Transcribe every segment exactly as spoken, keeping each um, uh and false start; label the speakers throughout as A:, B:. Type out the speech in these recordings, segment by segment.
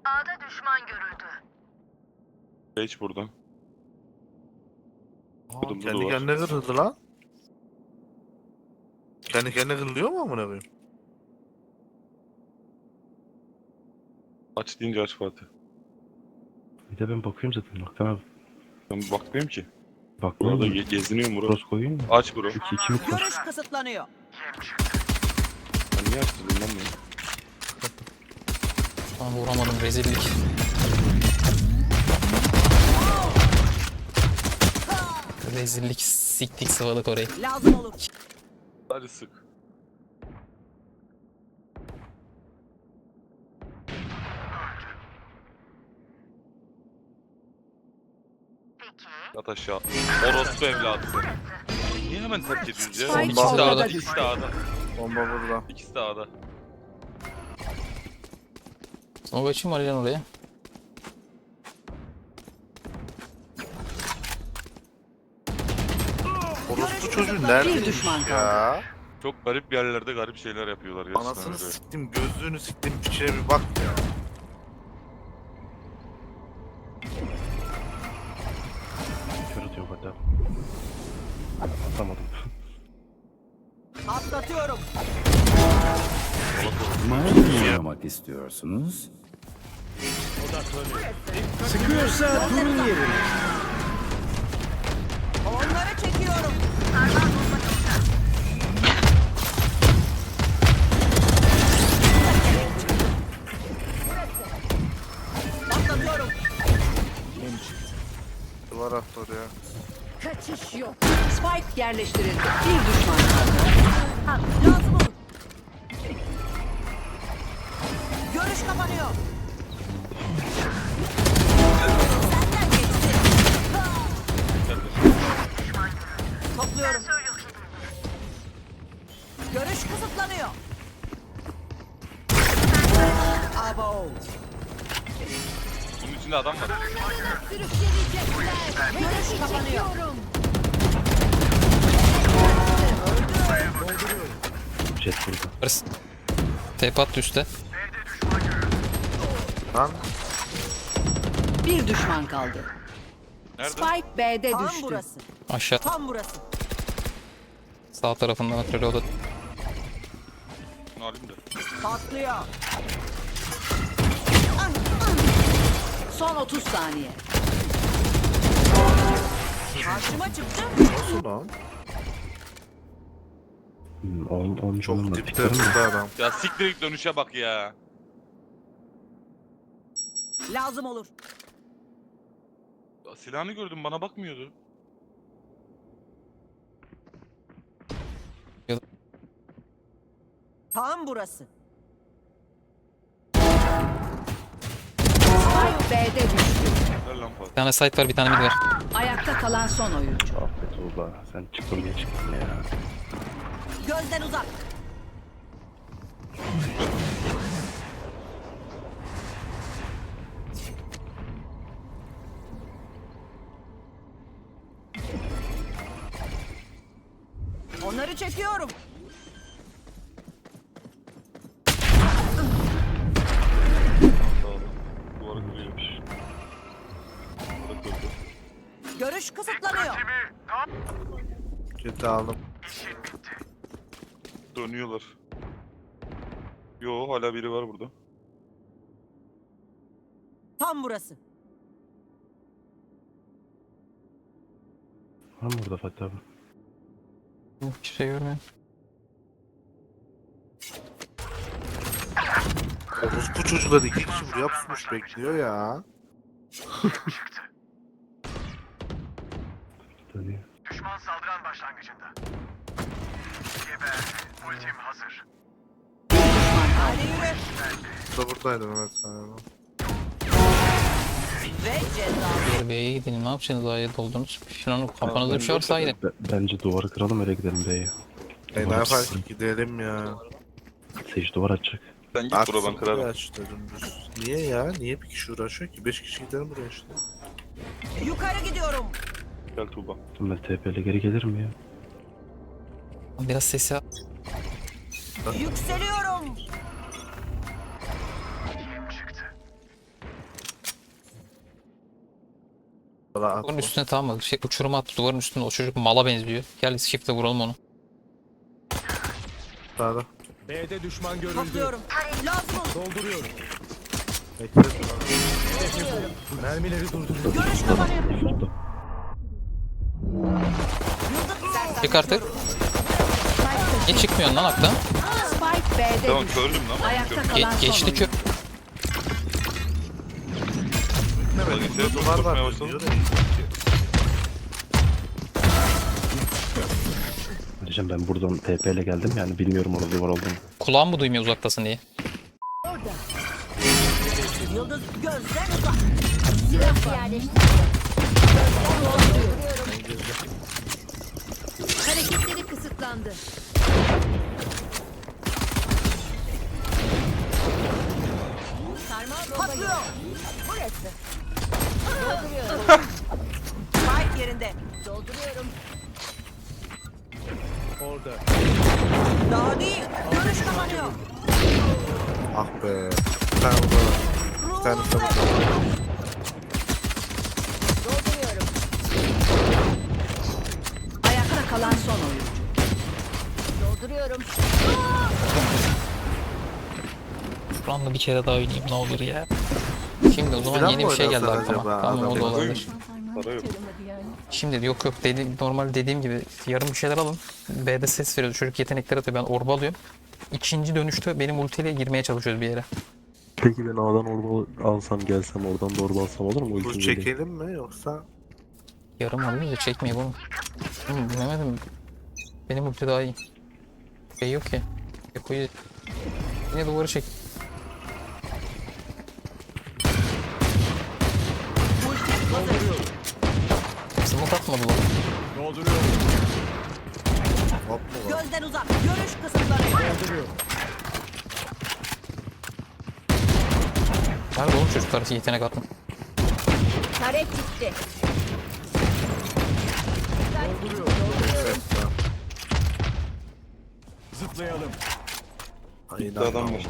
A: A'da düşman görüldü.
B: Geç buradan.
C: Aa,
B: Kırmızı
C: kendi
B: duvar.
C: kendine kırıldı lan. Kendi kendine kırılıyor mu amına koyayım?
B: Aç deyince aç Fatih.
D: Bir de ben bakıyorum zaten. Baktan abi.
B: Ben bakmıyorum ki.
D: Bakmıyor
B: Burada
D: mu?
B: ge geziniyorum bro.
D: Cross koyayım mı?
B: Aç bro.
D: İki, iki mi cross?
E: Görüş kısıtlanıyor.
B: Ben niye açtım lan bunu?
F: Lan vuramadım, rezillik. Rezillik, siktik sıvalık orayı.
E: Lazım olur.
B: Hadi sık. Yat aşağı. Orospu evladı seni. Niye hemen terk ediyoruz ya?
E: Spike
B: İkisi de
F: ortada
B: A'da.
E: düştü.
B: İkisi de A'da.
C: Bomba burada.
B: İkisi de A'da.
F: Sonra açayım mı Alican oraya?
C: Orospu çocuğu nerede
E: Bir düşman
C: ya?
B: Çok garip bir yerlerde garip şeyler yapıyorlar gerçekten.
C: Anasını
B: öyle.
C: siktim, gözlüğünü siktim, içine bir bak ya.
D: Kör atıyor hatta. Atamadım.
E: Atlatıyorum.
G: Maymun mu oynamak istiyorsunuz? Sıkıyorsa durun yerine.
E: Onları çekiyorum. Atlatıyorum.
C: Duvar attı oraya.
E: Kaçış yok. Spike yerleştirildi. Bir düşman kaldı. Ha, lazım olur. Görüş kapanıyor. Senden geçti. Topluyorum. Görüş kısıtlanıyor. Abo.
B: Bunun içinde adam var.
E: Görüş kapanıyor.
D: Jet burada.
F: Barış. Tepe attı üstte.
C: Lan
E: Bir düşman kaldı.
B: Nerede?
E: Spike B'de düştü. Tam burası.
F: Aşağı.
E: Tam burası.
F: Sağ tarafından atıyor o da.
B: Bunu alayım da.
E: Patlıyor. Son otuz saniye. Karşıma çıktı.
C: nasıl lan?
D: Hmm, on, on
C: Çok
D: canım var.
C: dipte
D: Pikerim mi?
C: tuttu adam.
B: Ya siktir git dönüşe bak ya.
E: Lazım olur.
B: Ya silahını gördüm bana bakmıyordu.
E: Tam burası. Spike B'de düştü.
B: Ver lan Fatih.
F: Bir tane site var, bir tane mid var.
E: Ayakta kalan son oyuncu.
D: Affet ulan. Sen çıktın diye çıktın ya.
E: Gözden uzak. Onları çekiyorum.
B: Sağ ol. Duvara kırıyormuş. Duvara kırdı.
E: Görüş kısıtlanıyor.
C: Kötü aldım.
B: Dönüyorlar. Yo hala biri var burada.
E: Tam burası.
D: Var mı burada Fatih abi?
F: Hiçbir şey görmüyorum.
C: Orospu çocuklar iki kişi buraya pusmuş bekliyor ya.
D: Dönüyor.
A: Düşman saldıran başlangıcında. Geber. Ultim hazır.
E: Hadi yürü.
C: Bu da buradaydı Mehmet galiba.
E: Ve ceza.
F: Diğer B'ye gidelim, ne yapacaksınız? A'ya doldunuz. Şunun kafanızda bir şey varsa gidin.
D: B- Bence duvarı kıralım öyle gidelim B'ye.
C: E ne
D: Duvar
C: yapar
D: açsın.
C: ki gidelim ya.
D: Sage duvar açacak.
B: Sen git
C: Aksın
B: bro ben kırarım.
C: buraya aç dedim düz. Niye ya? Niye bir kişi uğraşıyor ki? Beş kişi gidelim buraya işte.
E: Yukarı gidiyorum.
B: Gel Tuğba.
D: Ben T P ile geri gelirim ya.
F: Biraz ses yap.
E: Yükseliyorum.
A: Kim çıktı?
C: Valla
F: Duvarın üstüne tamam mı? Şey, uçuruma attı duvarın üstüne. O çocuk mala benziyor. Gel shift'le vuralım onu.
C: sağda.
H: B'de düşman görüldü.
E: Topluyorum. Lazım ol.
H: Dolduruyorum.
C: Bekle.
H: Mermileri durduruyorum.
E: Görüş kapanıyor.
D: Üstü.
F: Çık artık. Niye çıkmıyorsun lan aktan?
E: Spike B'de
B: Tamam
E: düştü.
B: kördüm lan.
E: Ayakta
B: Kördüm.
E: kalan
F: Ge-
E: son
F: geçti
E: oyuncu.
F: kö...
B: Bak
C: Gitmemedim.
B: işte
C: Duvar
B: korkmaya
C: var
B: başladım.
C: diyor da.
D: Diyeceğim ben buradan T P ile geldim yani bilmiyorum orada duvar olduğunu.
F: Kulağım mı duymuyor uzaktasın diye?
E: Yıldız gözden uzak.
I: Silah yerleştirildi. Hareketleri kısıtlandı. Sarmal bomba
E: Patlıyor.
I: yok. Burası. Dolduruyorum.
E: Spike yerinde.
I: Dolduruyorum.
H: Orada.
E: Daha değil. Görüş kapanıyor.
C: Ah be. Bir tane burada var. Bir tane
E: Ruhum
C: burada var.
I: Dolduruyorum.
E: Ayakta kalan son oyuncu.
I: Dolduruyorum.
F: Şuranla bir kere daha oynayayım ne olur ya. Şimdi o zaman
C: Silah
F: yeni
C: mı
F: bir şey geldi
C: oynasan
F: aklıma.
C: acaba?
F: Tamam o
C: Adam
F: da olabilir.
B: Para yok.
F: Şimdi yok yok dediğim, normal dediğim gibi yarım bir şeyler alın. B'de ses veriyordu. Çocuk yetenekler atıyor. Ben orba alıyorum. İkinci dönüşte benim ultiyle girmeye çalışıyoruz bir yere.
J: Peki ben A'dan orba alsam gelsem oradan da orba alsam olur mu?
C: Bu
J: Ultim
C: çekelim mi yoksa?
F: Yarım alıyoruz da çekmeyi bunu. Hı, bilemedim. Benim ulti daha iyi. Şey yok ki. Eko'yu yine duvarı çek. Smoke atmadı lan.
H: Dolduruyorum.
C: Hop mu var?
E: Gözden uzak. Görüş kısıtlanıyor.
H: Dolduruyorum.
F: Nerede oğlum çocuklar yetenek atma.
I: Taret gitti.
H: Dolduruyorum.
C: Evet, tamam.
H: Zıplayalım.
C: Ay,
B: Bir adam var.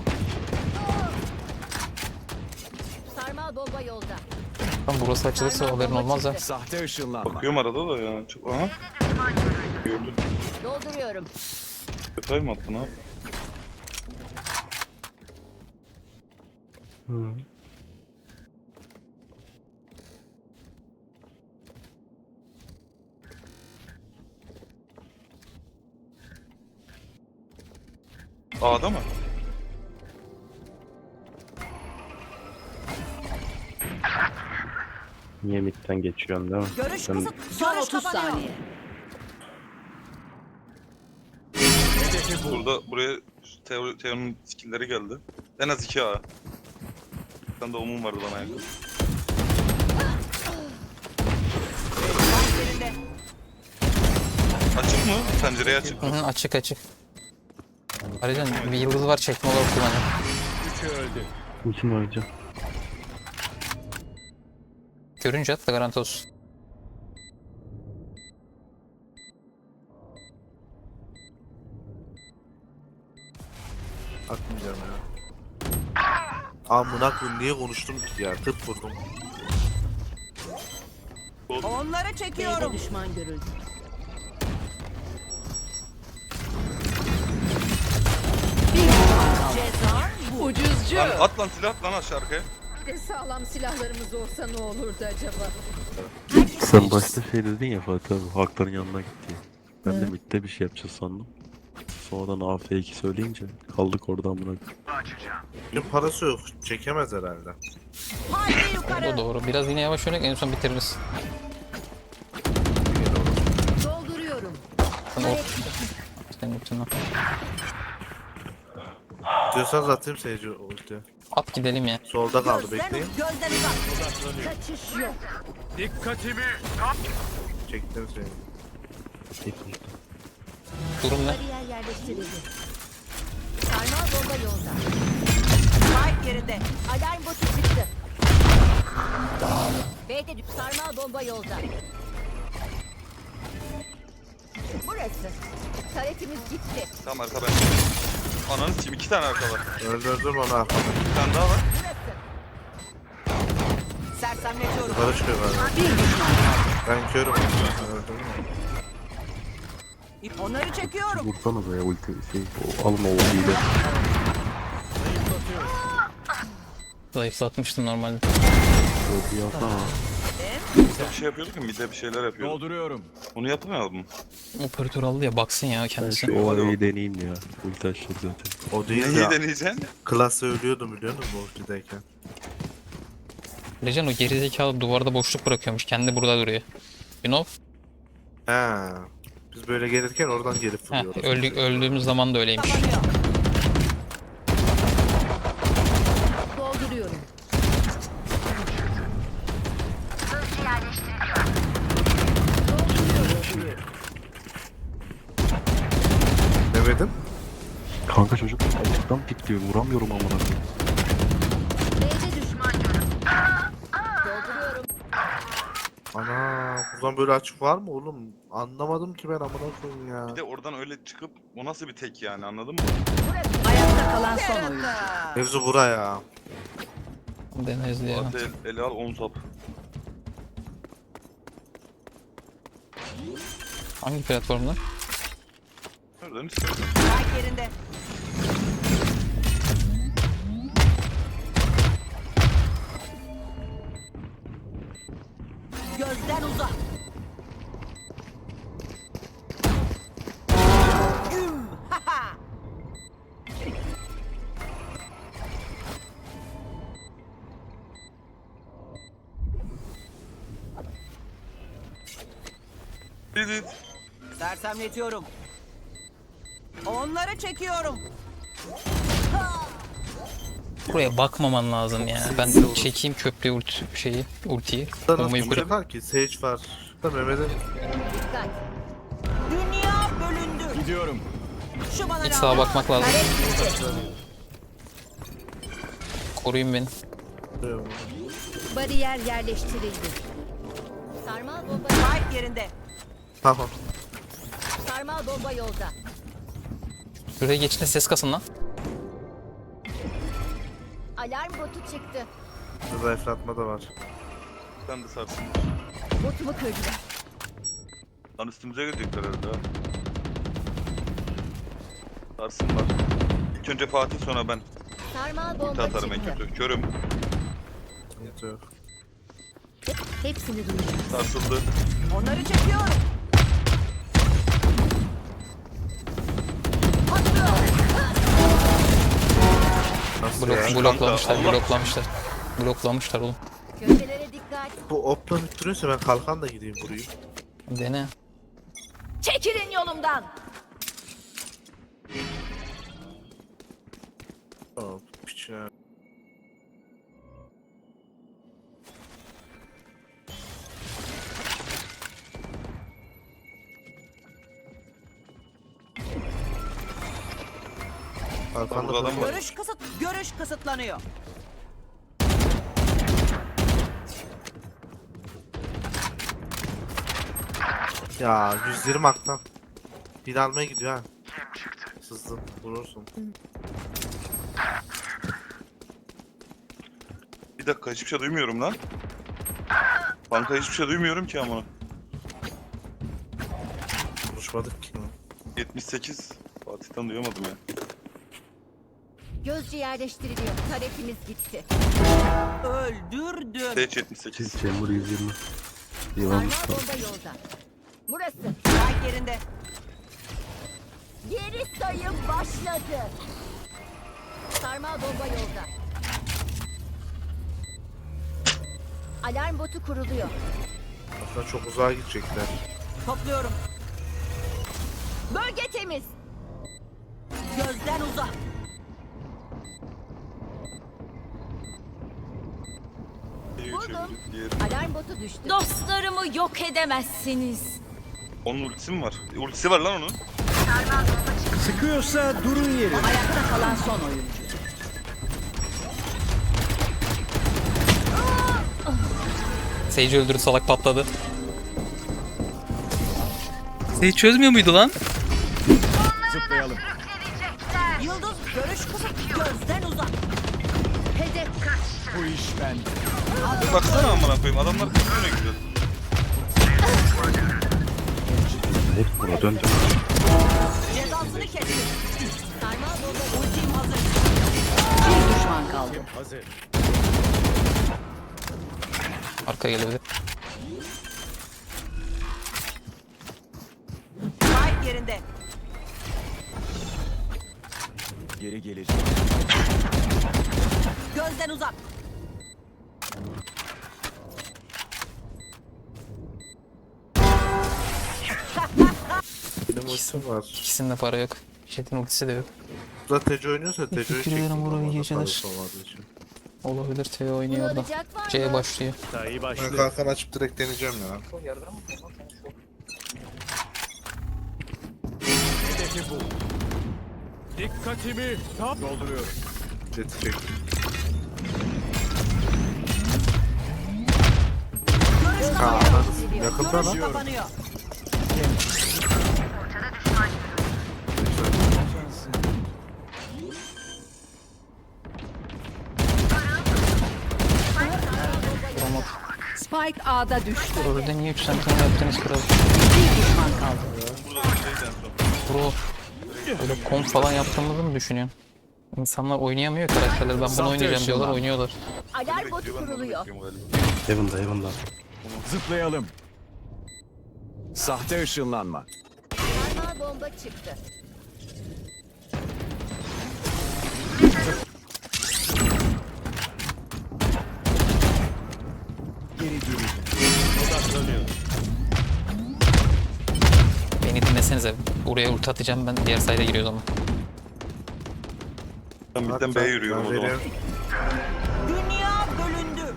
I: Sarmal bomba yolda.
F: Tam burası açılırsa haberin olmaz ha.
H: Sahte ışınlanma.
B: Bakıyorum arada da ya. Çok... Aha. Gördüm.
I: Dolduruyorum.
B: Detay mı attın abi?
J: Hı.
B: A'da mı?
D: Niye midden geçiyorsun değil mi?
E: Görüş
D: Ben
E: kısıt. Son otuz saniye.
B: Burada buraya Teo, Teo'nun skill'leri geldi. En az iki A. Bir tane de umum vardı bana yakın.
E: Yerinde.
B: Açık mı? Pencereye açık
F: Hı
B: mı?
F: hı, açık açık. Ayrıca bir yıldız var çekme olarak kullanıyor.
H: Üçü öldü.
J: Ultim var hocam.
F: Görünce at da garanti olsun.
C: Atmayacağım ya. Amına koyayım niye konuştum ki ya? Tıp vurdum.
E: Onları
I: B'de
E: çekiyorum.
I: düşman görüldü.
E: Ceza bu.
I: Ucuzcu.
B: Lan at lan silah at lan aşağı arkaya.
I: Bir de sağlam silahlarımız olsa ne olurdu acaba?
J: Sen başta şey dedin ya Fatih abi, Hakların yanına gitti. Ben de midde bir şey yapacağız sandım. Sonradan A F iki söyleyince kaldık oradan buna.
C: Benim parası yok. Çekemez herhalde.
E: Haydi
F: O
E: yukarı.
F: da doğru. Biraz yine yavaş oynayıp en son bitiririz.
I: Dolduruyorum.
F: Sen o... Senin ultin
C: Diyorsanız atayım seyirci ulti.
F: at gidelim ya.
C: Solda kaldı
E: Gözden,
C: bekleyin.
E: gözden uzak.
I: Kaçış yok.
H: Dikkatimi.
C: Çektim seni.
F: Durum ne?
I: Bariyer yerleştirildi. Sarmal bomba yolda.
E: Spike yerinde.
I: Alarm botu çıktı. B'de düş. Sarmal bomba yolda. Burası. Taretimiz gitti.
B: Tamam arka ben. Ananı sikeyim iki tane arka var.
C: Öldürdüm onu arkamda.
B: Bir tane daha var.
I: Burası.
E: Sersem Sersemletiyorum.
C: Yukarı çıkıyor galiba.
E: Bir düşman kaldı.
C: Ben körüm. Öldüm mü?
E: Onları çekiyorum.
J: Vursana be ulti şey. O, alma o ultiyi de.
F: Zayıflatmıştım normalde.
J: Ultiyi alsana.
B: Bir şey yapıyorduk ya, midde bir şeyler yapıyorduk.
H: Dolduruyorum.
B: Onu yapamayalım mı?
F: Operatör aldı ya baksın ya
J: Ben
F: kendisi.
J: şu
B: Hadi
J: o
B: bakalım.
J: A'yı deneyeyim ya. Ulti açtı zaten.
C: O değil
B: Neyi
C: ya.
B: deneyeceksin?
C: Klasa ölüyordum biliyor musun bu ultideyken?
F: Lecan o gerizekalı duvarda boşluk bırakıyormuş. Kendi burada duruyor. You know?
C: He. Biz böyle gelirken oradan gelip
F: Heh,
C: vuruyoruz.
F: öldü, öldüğümüz zaman da öyleymiş.
E: Kapanıyor.
I: Dolduruyorum.
C: Demedim.
J: Kanka çocuk açıktan pikliyor. Vuramıyorum amına koyayım.
I: B'de düşman görüldü. Dolduruyorum.
C: Ana buradan böyle açık var mı oğlum? Anlamadım ki ben amına koyayım ya.
B: Bir de oradan öyle çıkıp o nasıl bir tek yani, anladın mı?
E: Ayakta kalan son oyuncu.
C: Mevzu buraya.
F: Deneriz diye.
B: Hadi el, ele al on sap.
F: Hangi platformda?
B: Nereden istersen.
E: Spike yerinde. Gözden uzak. Güm. Ha ha.
B: Didit.
E: Sersemletiyorum. Onları çekiyorum.
F: Buraya bakmaman lazım ya. Ben çekeyim köprü ult şeyi, ultiyi.
C: Burada
F: Bombayı
C: nasıl
F: kırıp.
C: çıkar ki? Sage var. Da Mehmet'e
I: Dikkat.
E: Dünya bölündü.
H: Gidiyorum.
E: Şu bana
F: Hiç
E: lazım.
F: sağa bakmak lazım.
E: Kare gitti.
F: Koruyun beni.
I: Bariyer yerleştirildi. Sarmal bomba,
E: Spike yerinde.
C: Tamam.
I: sarmal bomba yolda.
F: Şuraya geçince ses kasın lan.
I: Alarm botu çıktı.
C: Zayıflatma da var.
B: Sen de sarsın.
I: Botumu kırdılar.
B: Lan üstümüze gelecekler herhalde ha. Sarsınlar. İlk önce Fatih, sonra ben.
I: Sarmal
B: Ulti
I: bomba
B: atarım en
I: çıktı.
B: kötü. Körüm.
C: Sıkıntı yok.
I: Hepsini duyuyorum.
B: Sarsıldı.
E: Onları çekiyorum.
C: Nasıl
F: Blok,
C: ya?
F: bloklamışlar,
B: Allah.
F: bloklamışlar. Bloklamışlar oğlum.
I: Gölgelere dikkat.
C: Bu opla bittiriyorsa ben kalkan da gideyim vurayım.
F: Dene.
E: Çekilin yolumdan.
C: Hop piç ya. Kalkan
B: Burada
C: da
B: adam var.
E: Görüş kısıt, görüş kısıtlanıyor.
C: Ya yüz yirmi aktan. Bir almaya gidiyor ha. Sızdın vurursun.
B: Bir dakika, hiçbir şey duymuyorum lan. Banka hiçbir şey duymuyorum ki ama.
C: Konuşmadık ki.
B: yetmiş sekiz. Fatih'ten duyamadım ya.
I: Gözcü yerleştiriliyor. Taretimiz gitti.
E: Öldürdüm.
B: Sage yetmiş sekiz.
J: Chamber yüz yirmi. Yılan
I: Sarmal bomba yolda. Burası.
E: Spike yerinde.
I: Geri sayım başladı. Sarmal bomba yolda. Alarm botu kuruluyor.
C: Aslında çok uzağa gidecekler.
E: Topluyorum.
I: Bölge temiz.
E: Gözden uzak.
I: Buldum.
B: Diğer.
I: Alarm botu düştü.
K: Dostlarımı yok edemezsiniz.
B: Onun ultisi mi var? E, ultisi var lan onun.
G: Sıkıyorsa durun yerim.
E: Ayakta kalan son oyuncu.
F: Sage'i öldürdü, salak patladı. Sage çözmüyor muydu lan?
H: Zıplayalım.
E: Yıldız görüş kısıt. Gözden uzak.
I: Hedef kaçtı.
H: Bu iş bende.
B: Bir baksana amına koyayım adamlar kızıyor ne güzel.
D: Hep buna döndü.
E: Cezasını kesin. Sarmal bomba ultim hazır. Bir düşman kaldı.
H: Hazır.
F: Arka gelebilir.
E: Spike yerinde.
H: Geri gelecek.
E: Gözden uzak.
C: Benim ultim var.
F: İkisinde para yok. Jet'in ultisi de yok.
C: Burada Teco oynuyorsa Teco'yu
F: Teşekkür
C: çektim.
F: ederim, Burak, iyi
C: orada
F: geceler.
C: parası olmadığı için.
F: Olabilir. T oynuyor orada.
I: Bulacak var
F: C
I: mı?
F: başlıyor.
H: Sayı
C: Ben
H: başlıyor.
C: kalkan açıp direkt deneyeceğim ya.
H: Hedefi bu. Dikkatimi tam dolduruyorum.
C: Jet'i çektim. Aa, ananı- yakında lan.
E: Görüş kapanıyor.
F: Vuramadı.
E: Spike A'da düştü.
F: Orada niye üç sentinel yaptınız kral?
E: Bir düşman kaldı.
B: Burada bir şeyden sonra.
F: Bro. Böyle komp falan yaptığımızı mı düşünüyorsun? İnsanlar oynayamıyor karakterler. Ben bunu oynayacağım diyorlar, oynuyorlar.
I: Alarm botu
B: Bekliyor, ben de onu
I: kuruluyor.
B: bekliyorum galiba.
D: Heaven'da Heaven'da.
H: Zıplayalım. Sahte ışınlanma.
I: Sarmal bomba çıktı.
H: Geri geri. Odaklanıyor.
F: Beni dinlesenize. Buraya ulti atacağım, ben diğer sayda giriyoruz ama.
B: Ben midden
C: Bak,
B: B'ye
C: ben-
B: yürüyorum
C: ben
B: o zaman.
C: veriyorum.
E: Dünya bölündü.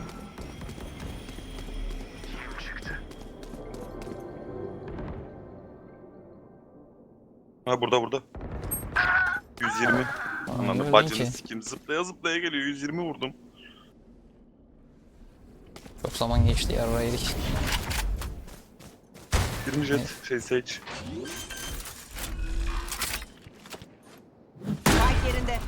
B: Ha burada burada. yüz yirmi.
F: öyle
B: Anladım.
F: değil
B: Bacını
F: ki.
B: sikim. Zıplaya zıplaya geliyor. yüz yirmi vurdum.
F: Çok zaman geçti ya, yedik.
B: yirmi jet. Şey Sage.
E: Spike yerinde.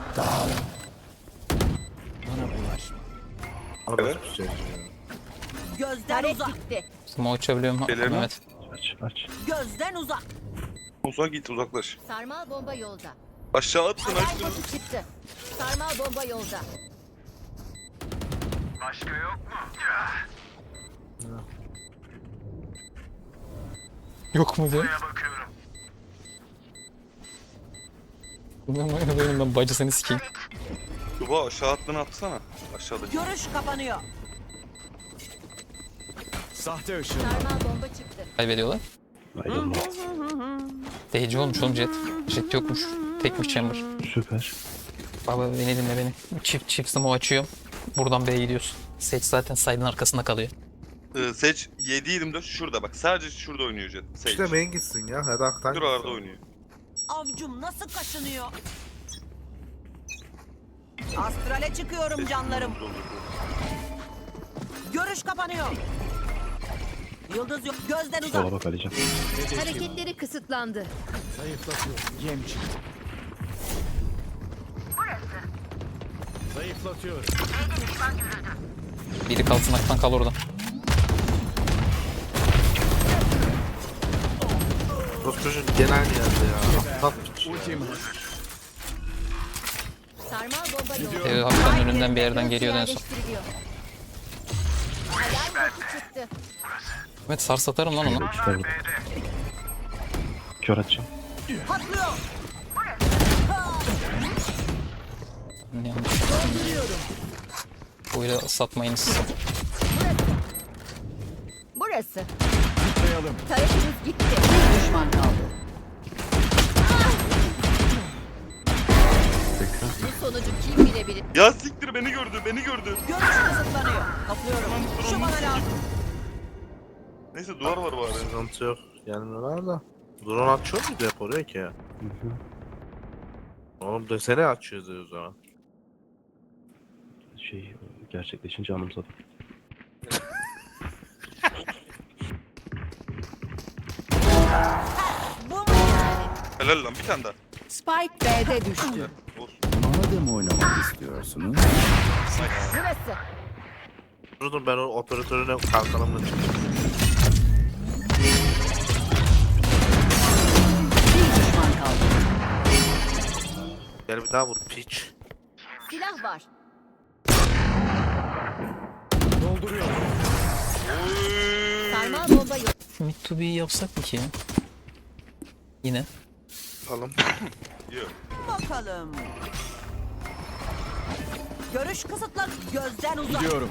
H: Bana bulaşma.
B: Evet.
C: Orası bir şey.
E: Gözden
I: Taret
E: uzak.
I: gitti.
F: Smoke uçabiliyorum.
B: Şeylerini
F: Mehmet.
D: Aç aç.
E: Gözden uzak.
B: Uzak git uzaklaş.
I: Sarmal bomba yolda.
B: Aşağı attın
I: Alarm
B: açtın.
I: botu çıktı. Sarmal bomba yolda.
A: Başka yok mu?
F: Yok mu diyor?
A: Buraya bakıyorum.
F: Ben benim ben bacısını sikeyim.
B: Tuba aşağı attığını atsana. Aşağıdaki.
E: Görüş kapanıyor.
H: Sahte ışınlanma.
I: Sarmal bomba çıktı.
F: Kaybediyorlar.
D: Aydınla.
F: D C olmuş oğlum Jet. Jet yokmuş. Tekmiş chamber.
D: Süper.
F: Baba beni dinle beni. Çift çift smoke açıyorum. Buradan B'ye gidiyorsun. Sage zaten side'ın arkasında kalıyor.
B: Ee, Sage yedi yirmi dört şurada bak. Sadece şurada oynuyor Jet. Sage.
C: İşte main gitsin ya. Her aktan
B: Şuralarda
C: gitsin.
B: oynuyor.
E: Avcum nasıl kaşınıyor? Astrale çıkıyorum canlarım. Görüş kapanıyor. Yıldız yok. Gözden uzak.
D: Sola bak Alican.
I: Hareketleri kısıtlandı.
H: Zayıflatıyor. Yem çıktı. Zayıflatıyorum.
F: Biri kalsın aktan kal orada.
C: Bu çocuk genel yerde ya. Tat
H: Ultim hazır.
I: Sarmal bomba yolda.
F: Evi hakikaten önünden bir yerden geliyordu en son.
I: Yerleştiriliyor. Alarm botu çıktı.
F: Mehmet sar satarım lan onu.
D: İşte burada. Kör atacağım.
E: Patlıyor.
F: Yanlış. Böyle satmayınız.
I: Burası.
H: Zıplayalım.
I: Taretimiz gitti.
E: Bir düşman kaldı.
I: Bu sonucu kim bilebilir?
B: Ya siktir beni gördü beni gördü.
E: Görüş kısıtlanıyor. Kaplıyorum. Şu bana lazım.
B: Neyse duvar var bari.
C: sıkıntı yok. Gelmiyorlar da. Drone açıyor muydu hep oraya ki ya?
D: Hı hı.
C: Oğlum desene açıyoruz o zaman.
D: Şey gerçekleşince anımsadım.
E: Bu mu yani?
B: Helal lan bir tane daha.
E: Spike B'de düştü.
B: Olsun.
G: Bana da mı oynamak istiyorsunuz?
I: Burası.
C: Durdum ben o operatörüne kalkanımla çıktım.
E: Bir düşman kaldı.
C: Gel bir daha vur piç.
I: Silah var.
H: Dolduruyorum.
I: Sarmal bomba yok.
F: Mid to be yapsak mı ki ya? Yine.
C: Alalım.
B: Yok.
E: Bakalım. Görüş kısıtlan. Gözden uzak.
H: Gidiyorum.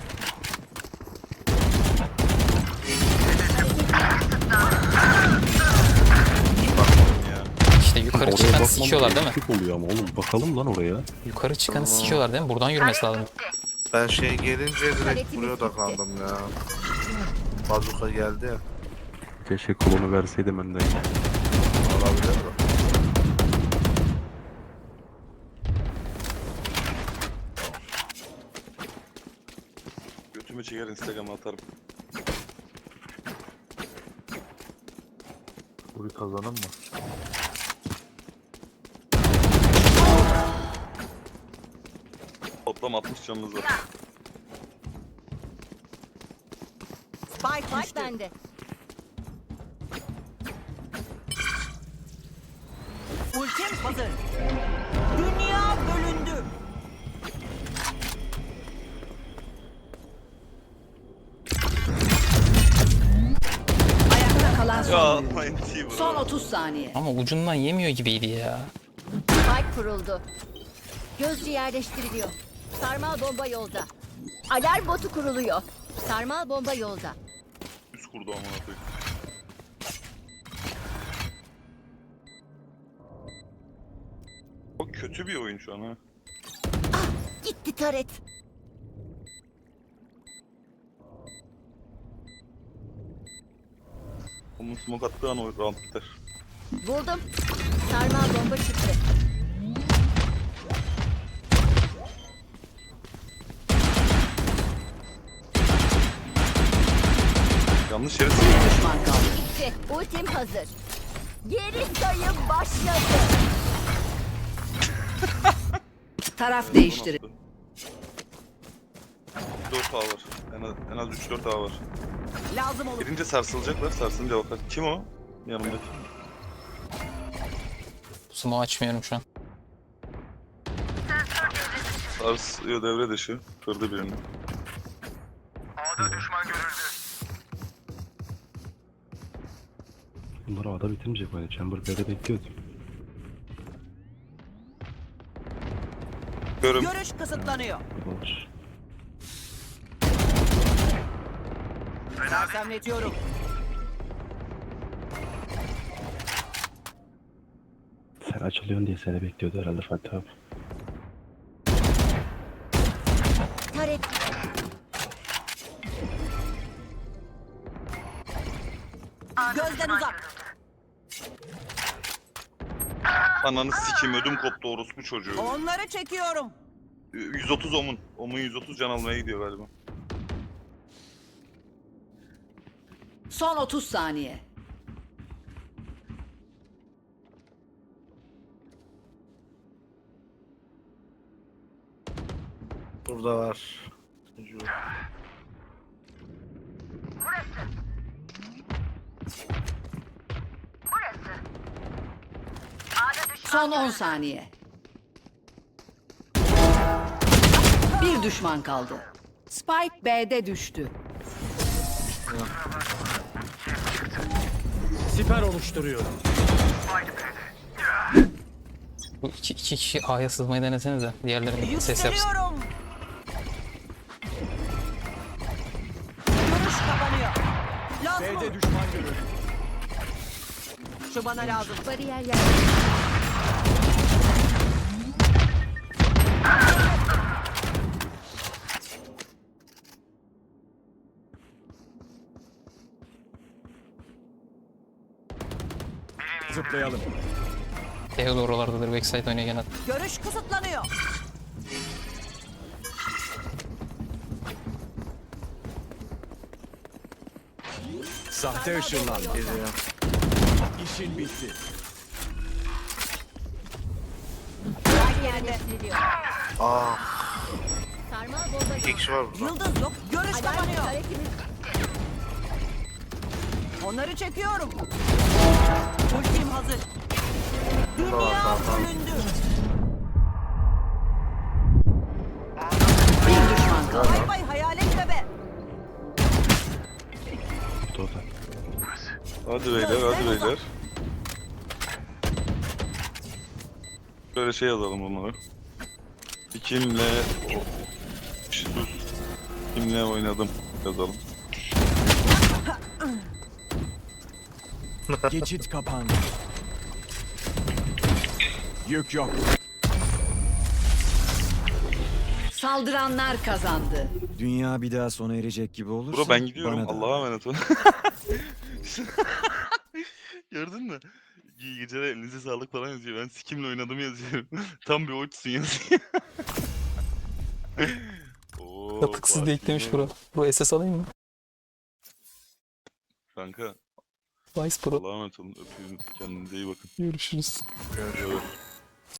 B: Ya.
F: İşte yukarı
D: Oraya
F: çıkan
D: bakmam
F: sikiyorlar değil mi?
D: eksik oluyor ama oğlum bakalım lan oraya.
F: Yukarı çıkanı sikiyorlar değil mi? Buradan yürümesi lazım.
C: Ben şey gelince direkt
I: Paletimiz
C: buraya
I: bitti.
C: odaklandım ya. Bazuka geldi ya.
J: Keşke kolonu verseydim önden.
C: Olabilir mi?
B: Götümü çeker Instagram'a atarım.
J: Bunu kazanın mı?
B: Toplam altmış canımız var.
E: Spike
I: Bak
E: düştü.
I: bende.
E: Ultim hazır. Dünya bölündü. Ayakta kalan
B: Ya
E: son oyuncu.
B: atmayın T
E: Son otuz saniye.
F: Ama ucundan yemiyor gibiydi ya.
I: Spike kuruldu. Gözcü yerleştiriliyor. Sarmal bomba yolda. Alarm botu kuruluyor. Sarmal bomba yolda.
B: Üst kurdu amına koyayım. Çok kötü bir oyun şu an ha.
I: Gitti taret.
B: Onun smoke attığı an o round biter.
I: Buldum. Sarmal bomba çıktı.
B: Yanlış yere
E: Bir düşman kaldı.
I: Gitti. Ultim hazır. Geri sayım başladı.
E: Taraf değiştirin.
B: dört A var. En az, en az üç dört A var.
E: Lazım olur.
B: Girince sarsılacaklar. Sarsılınca bakar. Kim o? Yanımdaki.
F: Sumo açmıyorum şu an.
B: Sarsıyor devre dışı. Kırdı birini.
A: A'da düşman görüldü.
D: Bunlar A'da bitirmeyecek böyle. Chamber B'de bekliyordu.
B: Görüm.
E: Görüş kısıtlanıyor.
D: Var.
E: Sersemletiyorum.
D: Sen açılıyorsun diye seni bekliyordu herhalde Fatih abi.
I: Taret.
E: Gözden uzak.
B: Ananı sikim ödüm koptu orospu çocuğu.
E: Onları çekiyorum.
B: yüz otuz omun. Omun yüz otuz can almaya gidiyor galiba.
E: Son otuz saniye.
C: Burada var. Çocuğu.
E: Son on saniye. Bir düşman kaldı. Spike B'de düştü.
H: Siper oluşturuyorum.
F: Bu iki, iki kişi A'ya sızmayı denesenize. Diğerleri ses yapsın.
E: Yükseliyorum. Görüş kapanıyor. Lazım
H: B'de
E: olur.
H: düşman görüldü.
E: Şu bana lazım.
I: Bariyer yer.
H: Zıplayalım.
F: Theo da oralardadır. Backside oynaya gene.
E: Görüş kısıtlanıyor.
H: Sahte ışınlan.
C: Geliyor.
H: İşin bitti.
I: Bariyer yerleştiriliyor.
C: Ah.
I: Sarmal bomba
C: İki kişi var burada.
E: Yıldız yok. Görüş
I: Alarm
E: kapanıyor.
I: işaretimiz.
E: Onları çekiyorum. Ultim hazır. Dünya bölündü. Bir düşman kaldı. Bay bay hayalet bebe.
D: Orada.
B: Hadi beyler, hadi beyler. Böyle şey yazalım bunları. Kimle o- Sus. Kimle oynadım yazalım.
H: Geçit kapandı. Yük yok.
E: Saldıranlar kazandı.
H: Dünya bir daha sona erecek gibi olursa
B: Bro ben gidiyorum.
H: bana da.
B: Allah'a emanet ol. Gördün mü? İyi geceler, elinize sağlık falan yazıyor. Ben sikimle oynadım yazıyorum. Tam bir oçsun yazıyor. Oo,
F: Katıksız diye eklemiş
B: Fatih
F: bro. Bro S S alayım mı?
B: Kanka
F: Vice Pro.
B: Allah'a emanet olun. Öpüyorum. Kendinize iyi bakın.
F: Görüşürüz.
B: Evet.